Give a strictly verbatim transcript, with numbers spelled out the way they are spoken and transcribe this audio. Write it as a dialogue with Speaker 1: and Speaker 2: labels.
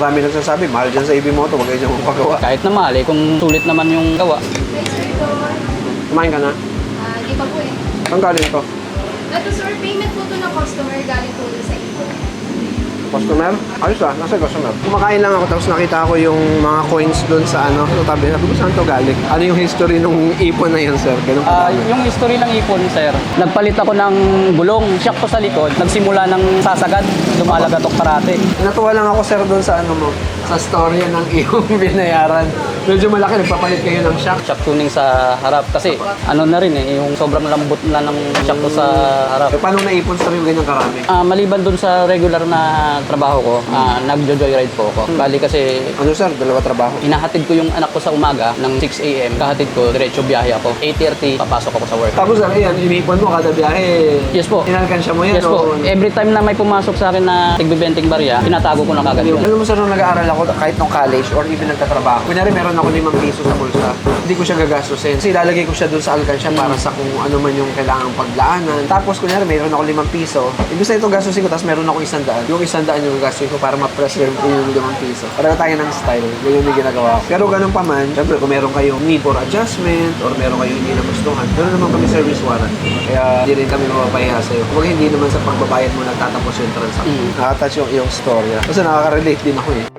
Speaker 1: marami nagsasabi, mahal dyan sa A B Moto, wag kayo dyan magpagawa.
Speaker 2: Kahit na mahal eh, kung sulit naman yung gawa.
Speaker 3: Hi, sir, Don.
Speaker 1: Kumain ka na?
Speaker 3: Ah, di pa po eh.
Speaker 1: Saan galing to?
Speaker 3: Ito, sir, payment po to ng customer galing po dun sa ipon.
Speaker 1: Customer? Ayos ah, nasa customer. Kumakain lang ako tapos nakita ko yung mga coins doon sa ano. So, tabi, sabi ko, saan to galing? Ano yung history nung ipon na yun, sir? Ganun
Speaker 2: Ah,
Speaker 1: pa uh,
Speaker 2: yung history ng ipon, sir. Nagpalit ako ng gulong, shock ko sa likod. Nagsimula ng sasagad, lumalagatok parate.
Speaker 1: Natuwa lang ako, sir, doon sa ano mo, sa storya ng iyong binayaran. Medyo malaki, nagpapalit kayo ng shock.
Speaker 2: Shock tuning sa harap kasi ano na rin eh, yung sobrang lambot na ng shock ko sa harap.
Speaker 1: E, paano naipon sa yung ganyang karami?
Speaker 2: Ah, maliban dun sa regular na trabaho ko, ah, nagjo-joyride po ako. Bali kasi
Speaker 1: Ano, sir? Dalawa trabaho?
Speaker 2: inahatid ko yung anak ko sa umaga ng six A M. Kahatid ko, diretso biyahe ako. eight thirty, papasok ako sa work.
Speaker 1: Tapos, sir, yan, inipon mo kada biyahe.
Speaker 2: Yes po.
Speaker 1: Inalkansya mo yan?
Speaker 2: Yes po.
Speaker 1: o-
Speaker 2: Every time na may pumasok sa akin na tigbibenting barya, tinatago ko na kagad yun.
Speaker 1: Alam mo, sir, nung nag-aaral ako, kahit nung college or even nagtatrabaho, kunyari meron ako limang piso sa bulsa, hindi ko siya gagastusin. Kasi ilalagay ko siya dun sa alkansya para sa kung ano man yung kailangang paglaanan. Tapos, kunyari, meron ako limang piso, ibig sabihin ito gastusin ko, tapos meron ako isang daan. Yung isang daan yung gastusin ko para ma-preserve ko yung limang piso. Para tayo ng style, ganyan yung ginagawa ko. Pero ganun pa man, syempre, kung meron kayong need for adjustment or meron kayong hindi nagustuhan, meron naman kami service warranty. Kaya hindi rin kami mapapahiya sa'yo. Kung hindi naman sa pagbabayad mo nagtatapos yung transaction.
Speaker 2: Mm.
Speaker 1: Nakatouch yung iyong storya. Kasi nakaka-relate din ako eh.